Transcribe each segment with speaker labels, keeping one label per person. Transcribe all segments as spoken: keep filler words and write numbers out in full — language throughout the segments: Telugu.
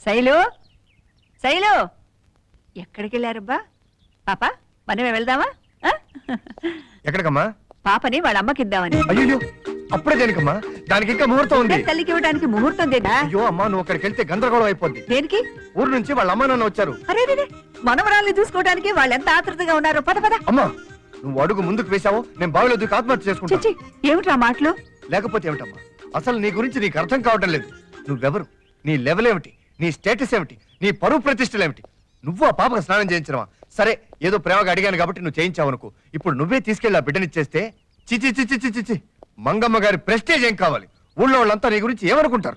Speaker 1: శైలు శైలు ఎక్కడికి వెళ్ళారబ్బా? పాప మనమే వెళ్దామా? ఆ?
Speaker 2: ఎక్కడికమ్మా?
Speaker 1: పాపని వాళ్ళ అమ్మకి ఇద్దామని.
Speaker 2: అయ్యో అప్పుడే దేనికమ్మా? దానికి ఇంకా ముహూర్తం ఉంది.
Speaker 1: తల్లికి ఇవ్వడానికి ముహూర్తం దేనా?
Speaker 2: అయ్యో అమ్మా, నువ్వు అక్కడికి వెళ్తే గందరగోళం అయిపోద్ది.
Speaker 1: దేనికి?
Speaker 2: ఊరు నుంచి వాళ్ళ అమ్మ నాన్న వచ్చారు.
Speaker 1: అరే రే, మనవరాల్ని చూసుకోవడానికి వాళ్ళు ఎంత ఆతృతగా ఉన్నారు. పద పద.
Speaker 2: అమ్మా, నువ్వు అడుగు ముందుకు వేశావు, నేను బావిలో దూకి ఆత్మహత్య చేసుకుంటా.
Speaker 1: చిచ్చి, ఏమిట్రా మాటలు?
Speaker 2: లేకపోతే ఏమిటమ్మా? అసలు నీ గురించి నీకు అర్థం కావటం లేదు. నువ్వెవరు? నీ లెవెల్ ఏమిటి? నీ స్టేటస్ ఏమిటి? నీ పరువు ప్రతిష్టలు ఏమిటి? నువ్వు ఆ పాపకు స్నానం చేయించడమా? సరే, ఏదో ప్రేమగా అడిగాను కాబట్టి నువ్వు చేయించావు అనుకో. ఇప్పుడు నువ్వే తీసుకెళ్ళి ఆ బిడ్డనిచ్చేస్తే చిచి చిచి చిచి చిచి మంగమ్మ గారి ప్రెస్టేజ్ ఏం కావాలి? ఊళ్ళో వాళ్ళంతా నీ గురించి ఏమనుకుంటారు?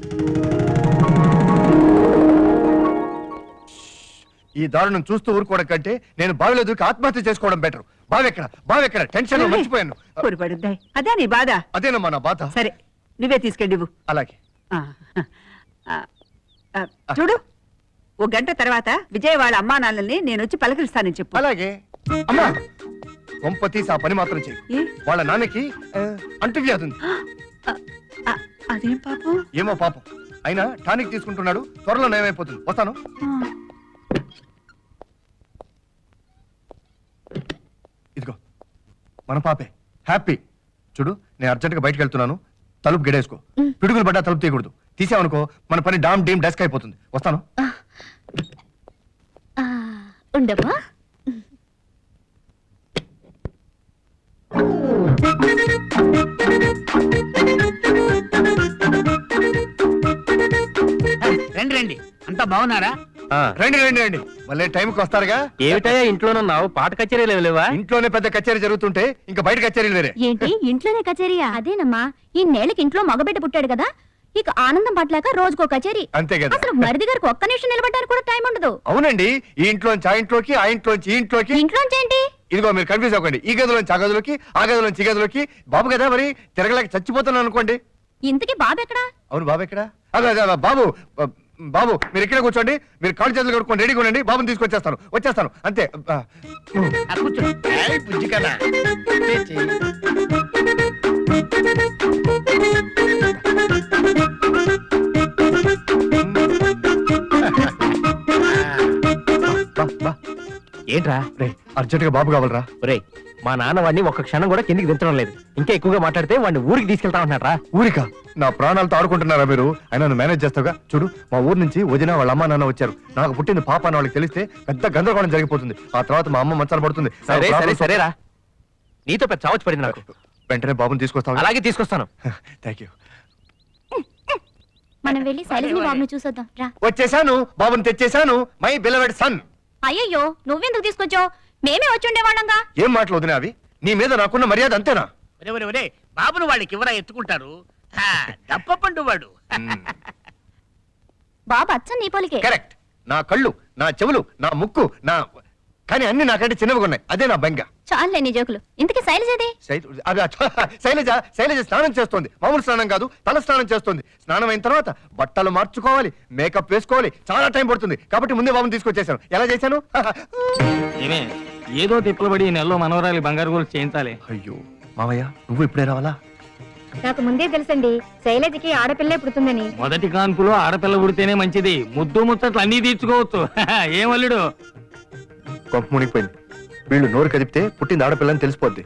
Speaker 2: ఈ దారుణం చూస్తూ ఊరుకోవడం కంటే నేను బావిలో దూకి ఆత్మహత్య చేసుకోవడం బెటర్. బావెక్కడ బావెక్కడ టెన్షన్ లో మర్చిపోయాను.
Speaker 1: పొరపడుద్దాయి. అదే నీ బాధ.
Speaker 2: అదేనమ్మా నా బాధ.
Speaker 1: సరే, నువ్వే తీసుకెళ్ళివు.
Speaker 2: అలాగే.
Speaker 1: ఆ, ఆ, ఆ, చూడు, ఓ గంట తర్వాత విజయ్ వాళ్ళ అమ్మా నాన్నల్ని నేను వచ్చి పలకరిస్తానని చెప్పు.
Speaker 2: అలాగే. అమ్మా, కొంప తీసి ఆ పని మాత్రం చెయ్యి.
Speaker 1: ఏ?
Speaker 2: వాళ్ళ నాన్నకి ఆ, అంటువ్యాధి ఉంది.
Speaker 1: ఆ, ఆ, అదేం పాపం?
Speaker 2: ఏమో పాపం. అయినా టానిక్ తీసుకుంటున్నాడు, త్వరలో నయమైపోతుంది. వస్తాను.
Speaker 1: ఆ.
Speaker 2: ఇదిగో మన పాపే, హ్యాపీ. చూడు, నేను అర్జెంట్గా బయటకు వెళ్తున్నాను. తలుపు గెడేసుకో. పిడుగులు పడ్డా తలుపు తీయకూడదు. తీసావనుకో మన పని డామ్ డీమ్ డెస్క్ అయిపోతుంది. వస్తాను.
Speaker 3: ఉండమ్మా.
Speaker 4: రండి రండి, అంతా బాగున్నారా?
Speaker 2: రండి రండి రండి, మళ్ళీ టైంకి వస్తారుగా.
Speaker 5: ఏమిటయ్యా ఇంట్లోనున్నావు? పాట కచేరీలు లేవా?
Speaker 2: ఇంట్లోనే పెద్ద కచేరీ జరుగుతుంటే ఇంకా బయట కచేరీలు వేరే.
Speaker 3: ఏంటి ఇంట్లోనే కచేరీయా? అదేనమ్మా, ఈ నేలకి ఇంట్లో మగబిడ్డ పుట్టాడు కదా, ఇక ఆనందం పట్లేక రోజుకో కచేరీ.
Speaker 2: అంతే కదా.
Speaker 3: అసలు మరిది గారికి ఒక్క నిమిషం నిలబడడానికి కూడా టైం ఉండదు.
Speaker 2: అవునండి, ఈ ఇంట్లోంచి ఆ ఇంట్లోకి, ఆ ఇంట్లోంచి ఈ ఇంట్లోకి.
Speaker 3: ఇంట్లోంచి ఏంటి?
Speaker 2: ఇదిగో మీరు కన్ఫ్యూజ్ అవ్వకండి. ఈ గదిలోంచి ఆ గదిలోకి, ఆ గదిలోంచి ఈ గదిలోకి. బాబు కదా మరి, తిరగలేక చచ్చిపోతున్నాను అనుకోండి.
Speaker 3: ఇంతకీ బాబు ఎక్కడా?
Speaker 2: అవును, బాబు ఎక్కడా? అదే అదే బాబు బాబు మీరు ఇక్కడే కూర్చోండి. మీరు కాళ్ళు చేతులు కడుక్కొని రెడీగా ఉండండి. బాబుని తీసుకొచ్చేస్తాను, వచ్చేస్తాను అంతే.
Speaker 4: ఆ, కూర్చో. ఏయ్, బుజ్జి కదా. చేచి.
Speaker 2: బా, బా.
Speaker 5: ఏంట్రా?
Speaker 2: రే, అర్జెంట్ గా బాబు కావాలరా.
Speaker 5: రే, మా నాన్న వాడిని ఒక్క క్షణం కూడా కిందికి దించడం లేదు. ఇంకా ఎక్కువగా మాట్లాడితే వాడిని ఊరికి తీసుకెళ్తా ఉంటున్నారా?
Speaker 2: ఊరికా? నా ప్రాణాలతో ఆడుకుంటున్నారా మీరు? అయినా నువ్వు మేనేజ్ చేస్తావుగా. చూడు, మా ఊరు నుంచి వదిన వాళ్ళ అమ్మ నాన్న వచ్చారు. నాకు పుట్టింది పాప అని వాళ్ళకి తెలిస్తే పెద్ద గందరగోళం జరిగిపోతుంది. ఆ తర్వాత మా అమ్మ మంచాలు పడుతుంది.
Speaker 5: సరే సరే సరేరా, నీతో పెద్ద చావచ్చు పడింది నాకు.
Speaker 2: వెంటనే బాబుని తీసుకొస్తాను.
Speaker 5: అలాగే తీసుకొస్తాను.
Speaker 2: Thank you.
Speaker 3: మనం వెళ్ళి శైలజని బాబుని చూసొద్దాం రా.
Speaker 2: వచ్చేసాను, బాబుని తెచ్చేసాను. My beloved sun.
Speaker 3: అయ్యయ్యో, నువ్వెందుకు తీసుకొచ్చావు? మేమే వచ్చి ఉండేవాళ్ళంగా.
Speaker 2: ఏం మాటలు వదినా అవి? నీ మీద నాకున్న మర్యాద అంతేనా?
Speaker 4: ఒరే ఒరే ఒరే, బాబును వాళ్ళకి ఎవరా ఎత్తుకుంటారు? దప్పపండు వాడు.
Speaker 3: బాబు అచ్చం నీ పోలికే.
Speaker 2: కరెక్ట్. నా కళ్ళు, నా చెవులు, నా ముక్కు, నా కానీ అన్ని నాకంటే చిన్నవిగా ఉన్నాయి. అదే నా బెంగ.
Speaker 3: చాలులే నీ జోకులు. ఇంతకీ శైలజది?
Speaker 2: శై- అది అచ్చ- శైలజ శైలజ స్నానం చేస్తోంది. మామూలు స్నానం కాదు, తల స్నానం చేస్తోంది. స్నానం అయిన తర్వాత బట్టలు మార్చుకోవాలి, మేకప్ వేసుకోవాలి, చాలా టైం పడుతుంది. కాబట్టి ముందే బాబుని తీసుకొచ్చేసాను. ఎలా చేశాను?
Speaker 5: ఏమే, ఏదో తిప్పలబడి ఈ నెలలో మనవరాలి బంగారు గోల్డ్ చేయించాలి.
Speaker 2: అయ్యో మామయ్య, నువ్వు ఇప్పుడే రావాలా?
Speaker 3: నాకు ముందే తెలుసండి శైలజకి ఆడపిల్లే పుడుతుందని.
Speaker 5: మొదటి కాన్పులో ఆడపిల్ల పుడితేనే మంచిది. ముద్దు ముచ్చట్లు అన్నీ తీర్చుకోవచ్చు. ఏమల్లుడు?
Speaker 2: కొంప మునిగిపోయింది. వీళ్ళు నోరు కదిపితే పుట్టింది ఆడపిల్లని తెలిసిపోద్ది.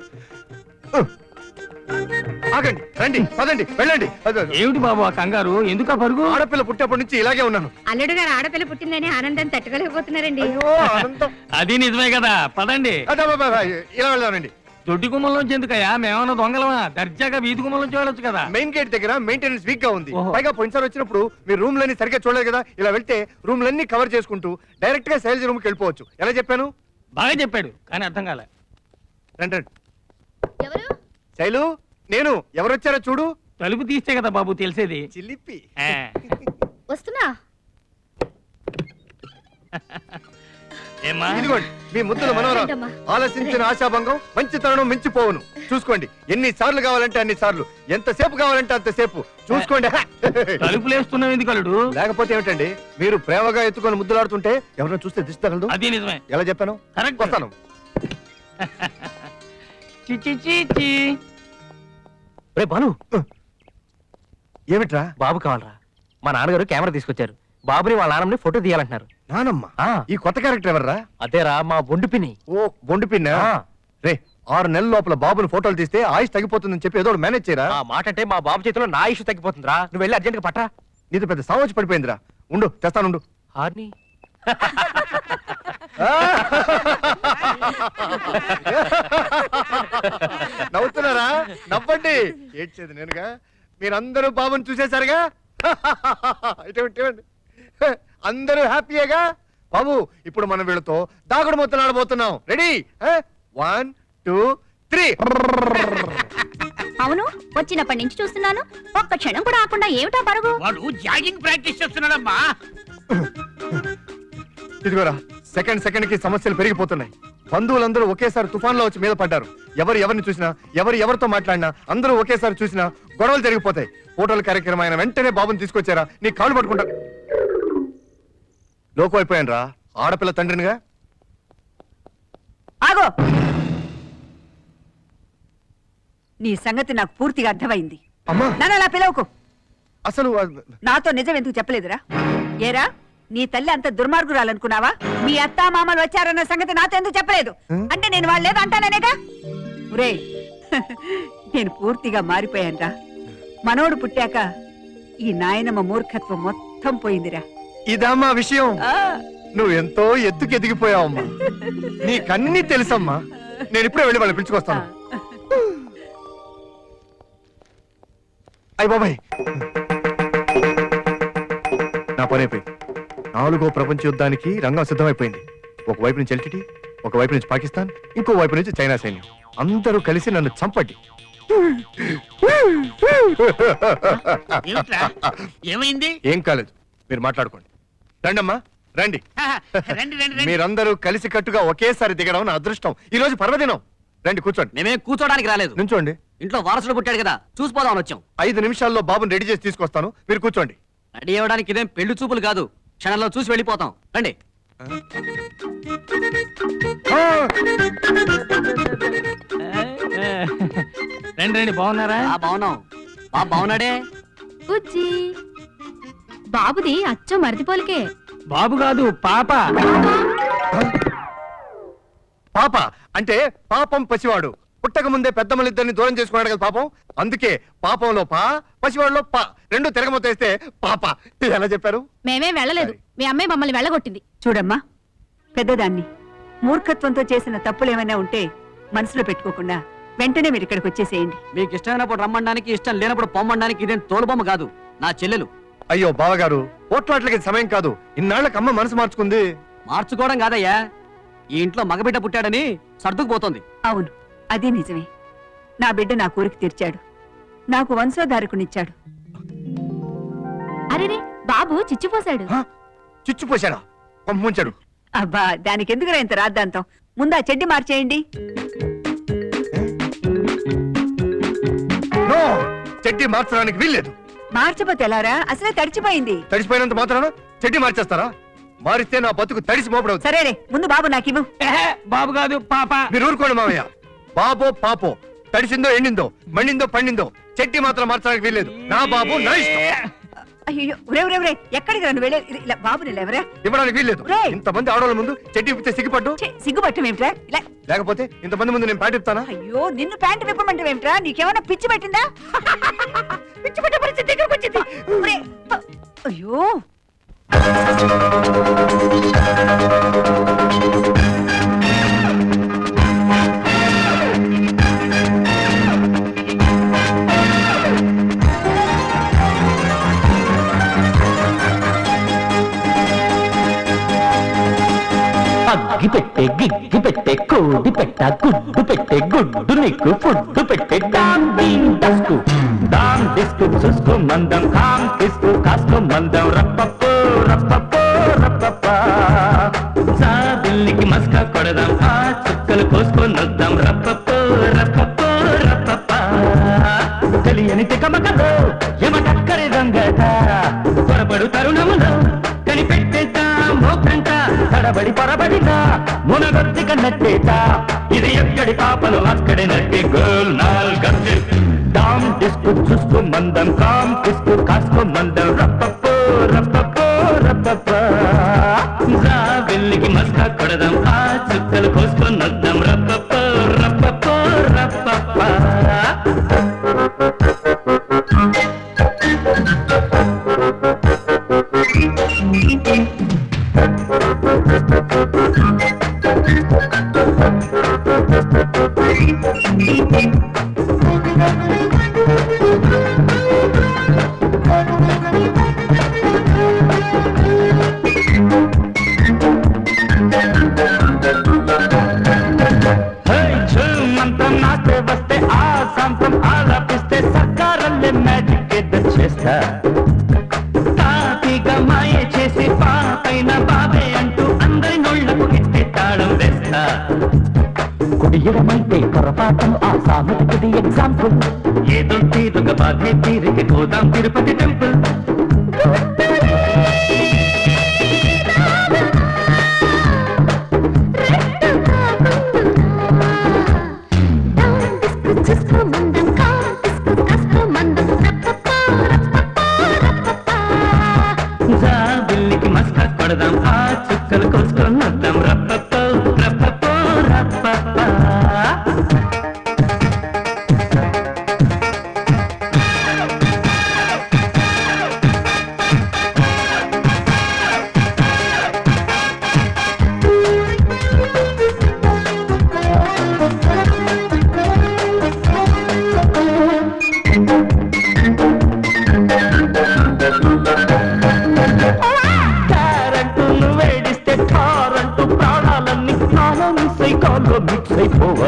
Speaker 2: ఆగండి, రండి, పదండి, వెళ్ళండి. అద-
Speaker 5: ఏమిటి బాబు ఆ కంగారు? ఎందుకు పరుగు?
Speaker 2: ఆడపిల్ల పుట్టేప్పటి నుంచి ఇలాగే ఉన్నాను.
Speaker 3: అల్లుడు గారు ఆడపిల్ల పుట్టిందని ఆనందం తట్టుకోలేకపోతున్నారండి.
Speaker 2: అయ్యో, ఆనందం.
Speaker 5: అది నిజమే కదా, పదండి.
Speaker 2: అదే, అబ్బా, అబ్బా, ఇలా వెళ్దామండి.
Speaker 5: దొడ్డి గుమ్మలోంచి ఎందుకయ్యా? మేమన్నా దొంగలమా? దర్జాగా వీధి గుమ్మలోంచి వెళ్ళొచ్చు కదా.
Speaker 2: మెయిన్ గేట్ దగ్గర మెయింటెనెన్స్ వీక్ గా ఉంది.
Speaker 5: ఓహో.
Speaker 2: పైగా పోయినసారి వచ్చినప్పుడు మీరు రూమ్ లన్నీ సరిగ్గా చూడలేదు కదా. ఇలా వెళ్తే రూమ్ లన్నీ కవర్ చేసుకుంటూ డైరెక్ట్ గా శైలజ రూమ్ కి వెళ్ళిపోవచ్చు. ఎలా చెప్పాను?
Speaker 5: బాగా చెప్పాడు, కానీ అర్థం కాలే.
Speaker 2: రండి రండి.
Speaker 3: ఎవరు?
Speaker 2: శైలు, నేను. ఎవరు వచ్చారో చూడు.
Speaker 5: తలుపు తీస్తే కదా బాబు తెలిసేది.
Speaker 2: చిలిపి.
Speaker 5: ఆ.
Speaker 3: వస్తున్నా.
Speaker 5: ఏమ్మా?
Speaker 2: ఇదిగోండి మీ ముద్దుల మనవరాలు.
Speaker 3: రండమ్మా.
Speaker 2: ఆలోచించిన ఆశాభంగం మంచితనం మించిపోవును. చూసుకోండి, ఎన్ని సార్లు కావాలంటే అన్ని సార్లు, ఎంతసేపు కావాలంటే అంతసేపు చూసుకోండి.
Speaker 5: తలుపులేస్తున్నావు ఎందుకు అల్లుడు?
Speaker 2: లేకపోతే ఏమిటండి, మీరు ప్రేమగా ఎత్తుకొని ముద్దులాడుతుంటే ఎవరైనా చూస్తే దిష్టి తగలదు.
Speaker 5: అది నిజమే.
Speaker 2: ఎలా చెప్పాను?
Speaker 5: కరెక్ట్.
Speaker 2: వస్తాను.
Speaker 5: చి చి చి చి. రే బాలు,
Speaker 2: ఏమిట్రా?
Speaker 5: బాబు కావాలరా? మా నాన్నగారు కెమెరా తీసుకొచ్చారు. బాబుని వాళ్ళ నాన్నని ఫోటో తీయాలంటున్నారు.
Speaker 2: నానమ్మ
Speaker 5: ఆ.
Speaker 2: ఈ కొత్త క్యారెక్టర్ ఎవర్రా?
Speaker 5: అదేరా మా బొండు పిని.
Speaker 2: ఓ బొండు పిన్న.
Speaker 5: ఆ.
Speaker 2: రే ఆరు నెలల లోపల బాబుని ఫోటోలు తీస్తే ఆయుష్ తగ్గిపోతుందని చెప్పి ఏదో మేనేజ్ చేయరా.
Speaker 5: ఆ మాట అంటే మా బాబు చేతిలో నా ఇష్యూ తగ్గిపోతుందిరా. నువ్వు వెళ్ళి అర్జెంట్ గా పట్టా.
Speaker 2: నీతో పెద్ద సావచ్చు పడిపోయిందిరా. ఉండు తెస్తానుండు.
Speaker 5: హార్ని
Speaker 2: నవ్వుతున్నారా? నవ్వండి. ఏడ్చేది నేనుగా. మీరందరూ బాబుని చూసేశారుగా. ఇటువంటి ఇటువంటి. అందరూ హ్యాపీయేగా. బాబు ఇప్పుడు మనం వీళ్ళతో దాగుడు మొత్తం ఆడబోతున్నాం. రెడీ? One two three.
Speaker 3: అవును, వచ్చినప్పటి నుంచి చూస్తున్నాను, ఒక్క క్షణం కూడా ఆకుండా ఏమిటా పరుగు?
Speaker 4: వాడు జాగింగ్ ప్రాక్టీస్ చేస్తున్నాడమ్మా.
Speaker 2: ఇదిగోరా సెకండ్ సెకండ్ కి సమస్యలు పెరిగిపోతున్నాయి. బంధువులందరూ ఒకేసారి తుఫాన్లో వచ్చి మీద పడ్డారు. ఎవరు ఎవరిని చూసినా, ఎవరు ఎవరితో మాట్లాడినా, అందరూ ఒకేసారి చూసినా గొడవలు జరిగిపోతాయి. ఫోటోల కార్యక్రమం అయిన వెంటనే బాబుని తీసుకొచ్చారా నీ కాళ్ళు పట్టుకుంటా. లోకం అయిపోయాను రా, ఆడపిల్ల తండ్రినిగా.
Speaker 1: ఆగో, నీ సంగతి నాకు పూర్తిగా అర్థమైంది.
Speaker 2: అమ్మా
Speaker 1: నన్ను అలా పిలవకు.
Speaker 2: అసలు ఆ,
Speaker 1: నాతో నిజం ఎందుకు చెప్పలేదురా? ఏరా, నీ తల్లి అంత దుర్మార్గురాలనుకున్నావా? మీ అత్తా మామలు వచ్చారన్న సంగతి నాతో ఎందుకు చెప్పలేదు? అంటే నేను వాళ్ళు లేదు అంటాననేగా. ఒరే, నేను పూర్తిగా మారిపోయానురా. మనోడు పుట్టాక ఈ నాయనమ్మ మూర్ఖత్వం మొత్తం పోయిందిరా.
Speaker 2: ఇదమ్మా విషయం.
Speaker 1: ఆ,
Speaker 2: నువ్వు ఎంతో ఎత్తుకు ఎదిగిపోయావమ్మా. నీకన్నీ తెలుసమ్మా. నేను ఇప్పుడే వెళ్ళి వాళ్ళు పిలుచుకొస్తాను. అయ్య బాబాయ్, నా పని అయిపోయింది. నాలుగో ప్రపంచ యుద్ధానికి రంగం సిద్ధమైపోయింది. ఒకవైపు నుంచి ఎల్టీటీ, ఒకవైపు నుంచి పాకిస్తాన్, ఇంకో వైపు నుంచి చైనా సైన్యం. అందరూ కలిసి నన్ను చంపండి.
Speaker 4: ఏమిట్రా? ఏమైంది?
Speaker 2: ఏం కాలేదు, మీరు మాట్లాడుకోండి. రండమ్మా రండి.
Speaker 4: రండి రండి రండి.
Speaker 2: మీరందరూ కలిసి కట్టుగా ఒకేసారి దిగడం నా అదృష్టం. ఈ రోజు పర్వదినం. రండి కూర్చోండి.
Speaker 6: మేమే కూర్చోడానికి రాలేదు,
Speaker 2: నుంచోండి.
Speaker 6: ఇంట్లో వారసుడు పుట్టాడు కదా, చూసిపోదామని వచ్చాం.
Speaker 2: ఐదు నిమిషాల్లో బాబుని రెడీ చేసి తీసుకొస్తాను, మీరు కూర్చోండి.
Speaker 6: రెడీ అవ్వడానికి ఇదేం పెళ్లి చూపులు కాదు, క్షణంలో చూసి వెళ్ళిపోతాం. రండి.
Speaker 2: ఆ!
Speaker 5: రండి రండి, బాగున్నారా?
Speaker 6: ఆ బాగున్నాం. బాబు బాగున్నాడే.
Speaker 3: ఉజ్జి, బాబుది అచ్చం మరిదిపోలికే.
Speaker 5: బాబు కాదు, పాప.
Speaker 2: పాప అంటే పాపం పసివాడు. పుట్టక ముందే పెద్దమ్మలిద్దరిని దూరం చేసుకున్నాడు కదా పాపం. అందుకే పాపంలో పా, పసివాడులో పా, రెండు తిరగమొత్తేస్తే పాప. ఎలా చెప్పారు?
Speaker 3: మేమేం వెళ్ళలేదు, మీ అమ్మాయి మమ్మల్ని వెళ్ళగొట్టింది.
Speaker 1: చూడమ్మా, పెద్దదాన్ని మూర్ఖత్వంతో చేసిన తప్పులేమైనా ఉంటే మనసులో పెట్టుకోకుండా వెంటనే మీరు ఇక్కడికి వచ్చేసేయండి.
Speaker 6: మీకు ఇష్టమైనప్పుడు రమ్మడానికి, ఇష్టం లేనప్పుడు పొమ్మడానికి ఇదేం తోలుబొమ్మ కాదు, నా చెల్లెలు.
Speaker 2: అయ్యో బావగారు, పోట్లాట్లకి ఇది సమయం కాదు. ఇన్నాళ్ళకి అమ్మ మనసు మార్చుకుంది.
Speaker 6: మార్చుకోవడం కాదయ్యా, ఈ ఇంట్లో మగబిడ్డ పుట్టాడని సర్దుకుపోతుంది.
Speaker 1: అవును, అదే నిజమే. నా బిడ్డ నా కోరిక తీర్చాడు, నాకు వంశోధారకునిచ్చాడు.
Speaker 3: అరేరే, బాబు చిచ్చిపోశాడు.
Speaker 2: హ? చిచ్చుపోశాడా? పంపించాడు.
Speaker 1: అబ్బా, దానికి ఎందుకురా ఇంత రాద్దాంతం? ముందు ఆ చెడ్డి మార్చేయండి.
Speaker 2: నో, చెడ్డి మార్చడానికి వీల్లేదు.
Speaker 1: మార్చపోతే ఎలారా? అసలే తడిచిపోయింది.
Speaker 2: తడిసిపోయినంత మాత్రాన చెడ్డి మార్చేస్తారా? మారిస్తే నా బతుకు తడిసి మోపడవుతుంది.
Speaker 1: సరేరే, ముందు బాబు నాకివ్వు.
Speaker 5: బాబు కాదు, పాప.
Speaker 2: మీరు ఊరుకోండి మామయ్య. బాబో పాపో, తడిసిందో ఎండిందో, మండిందో పండిందో, చెట్టి మాత్రం మార్చడానికి వీల్లేదు. నా బాబు నా ఇష్టం.
Speaker 1: అయ్యో, ఒరే ఒరే ఒరే, ఎక్కడికి నన్ను వెళ్ళే ఇలా బాబుని లేవరా?
Speaker 2: ఇవ్వడానికి వీల్లేదు.
Speaker 1: రేయ్.
Speaker 2: ఇంతమంది ఆడవాళ్ళ ముందు చెట్టి ఇప్పితే సిగ్గుపడ్డు.
Speaker 1: ఛీ, సిగ్గుపట్టం ఏమిట్రా? ఇలా
Speaker 2: లేకపోతే ఇంతమంది ముందు నేను పాట ఇస్తానా?
Speaker 1: అయ్యో, నిన్ను ప్యాంటు విప్పమంటే ఏమిట్రా? నీకేమైనా పిచ్చి పెట్టిందా? పిచ్చి పెట్టే పరిస్థితి దగ్గరకు వచ్చింది. ఒరే, అయ్యో,
Speaker 7: అగ్గి పెట్టే గిగ్గి పెట్టే కోడి పెట్ట గుడ్డు పెట్టే గుడ్డు నీకు ఫుడ్డు పెట్టే డామ్ డీమ్ డస్కు డామ్ డిస్కు చూసుకో మందం కామ్ కిస్కు కాస్కో మందం రప్పప్పో రప్పప్పో రప్పప్ప సాబిల్లికి మస్కా కొడదాం ఆ చుక్కలు కోసుకొని వద్దాం రప్పప్పో రప్పప్పో రప్పప్ప తెలియని తికమకలో ఎమటక్కరి దొంగట పొరపడు తరుణములో కనిపెట్టేద్దాం మోకంట తడబడి పొరబడినా మునగొత్తి కన్నట్టేట ఇది ఎక్కడి పాపలు అక్కడి నట్టి గోల్ నాల్ గట్టి డామ్ డిస్కు చూసుకో మందం కామ్ కిస్కు కాస్కో మందం రప్పప్పో రప్పప్పో రప్ప రప్పప వెళ్ళికి మస్కా కొడదాం ఆ చుక్కలు కోసుకొని వద్దాం రప్పప రప్పప రప్పప మంత్రం నాస్తే వస్తే ఆ సాంతం ఆలాపిస్తే సర్కారల్లే మ్యాజిక్ ఏదో చేస్తా తాతిగా మాయ చేసి పాపైన బాబే అంటూ అందరి నోళ్లకు ఎత్తి తాళం వేస్తా కుడియడమైతే పొరపాటం ఆ సామెతది ఎగ్జాంపుల్ ఏదో తీరుగ బాధే తీరిక గోదాం తిరుపతి టెంపుల్ బిల్లికి మస్కా కొడదాం ఆ చుక్కలు కోసుకొని వద్దాం రప్పపో రప్పపో రప్పప తారంటూ నువ్వేడిస్తే తారంటూ ప్రాణాలన్నీ నాలోని సైకాల్లో మిక్స్ అయిపోవా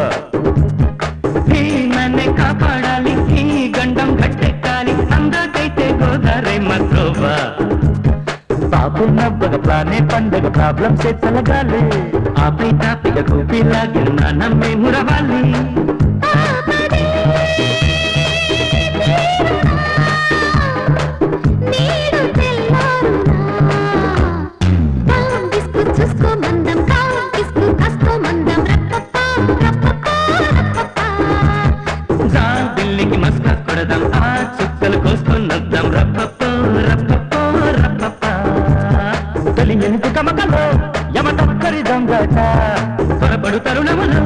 Speaker 7: నన్నే కాపాడాలి ఈ గండం గట్టెక్కాలి అందకైతే గోదారై మత్రోవా బాబు నవ్వగ ప్లానే పండగ ప్రాబ్లమ్స్ ఎత్తలగాలి ఆపై తాపిగ కూపిలాగిన నమ్మే మురవాలి బిల్లికి మస్కా కొడదాం ఆ చుక్కలు కోసుకొని వద్దాం రప్పపో రప్పపో రప్పప తొలి ఎనుకు కమకలో యమ తక్కరి దొంగట త్వరపడు తరుణములు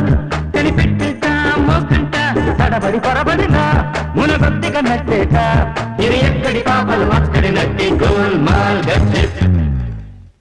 Speaker 7: కనిపెట్టేట మోకంట తడబడి పొరబడిన మునగొత్తిగా నట్టేట ఇది